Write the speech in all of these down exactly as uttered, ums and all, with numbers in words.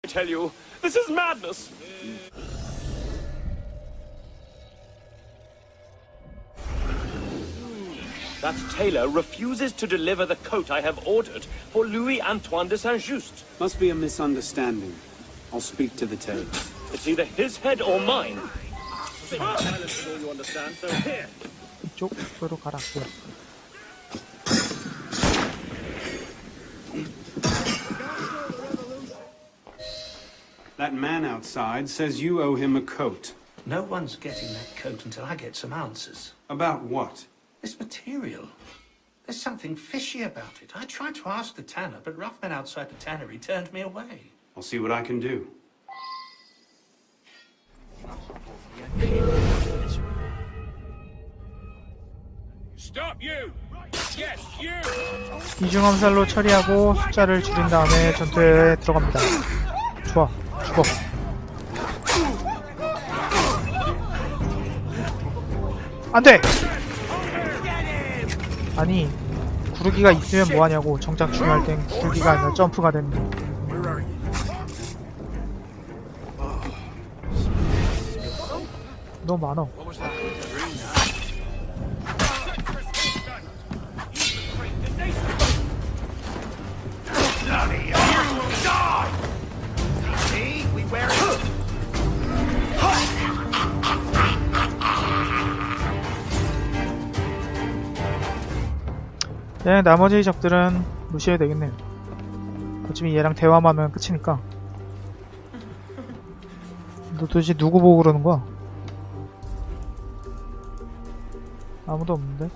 I tell you, this is madness. That tailor refuses to deliver the coat I have ordered for Louis Antoine de Saint-Just. Must be a misunderstanding. I'll speak to the tailor. It's either his head or mine. Silence is all you understand, so here. 이쪽으로 가라고요. That man outside says you owe him a coat. No one's getting that coat until I get some answers. About what? This material. There's something fishy about it. I tried to ask the tanner, but Ruffman outside the tannery turned me away. I'll see what I can do. Stop you! Yes, you! 이중 암살로 처리하고 숫자를 줄인 다음에 전투에 들어갑니다. 좋아, 죽어. 안돼! 아니, 구르기가 있으면 뭐하냐고. 정작 중요할 땐 구르기가 아니라 점프가 됩니다. 너무 많어. 네, 나머지 적들은 무시해야 되겠네요. 어차피 얘랑 대화만 하면 끝이니까. 너 도대체 누구 보고 그러는 거야? 아무도 없는데?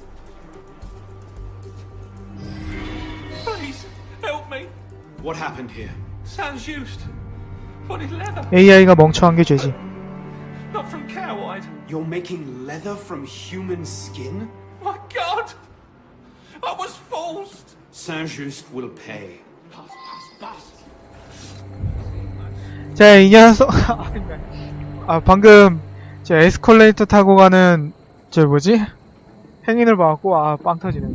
Please, help me. What happened here? Saint-Just. What is leather? 에이아이가 멍청한 게 죄지. Not from cow-hide. You're making leather from human skin? My God! I was forced! Saint-Just will pay. 자, 이 녀석. 아, 방금 저 에스컬레이터 타고 가는 저 뭐지? 행인을 봐갖고 아, 빵 터지네.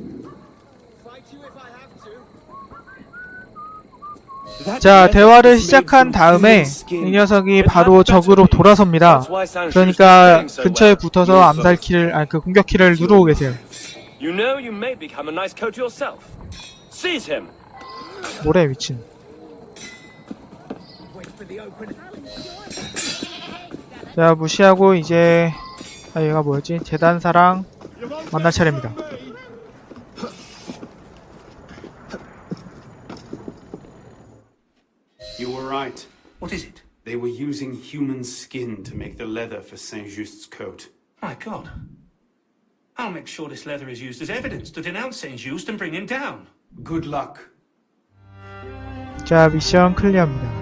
자, 대화를 시작한 다음에 이 녀석이 바로 적으로 돌아섭니다. 그러니까 근처에 붙어서 암살키를, 아니 그 공격키를 누르고 계세요. You know you may become a nice coat yourself. Seize him. 뭐래 미친. 자, 무시하고 이제 아 얘가 뭐였지? 재단사랑 만날 차례입니다. You were right. What is it? They were using human skin to make the leather for Saint-Just's coat. My God. I'll make sure this leather is used as evidence to denounce Saint-Just and bring him down. Good luck. 자, 미션 클리어입니다.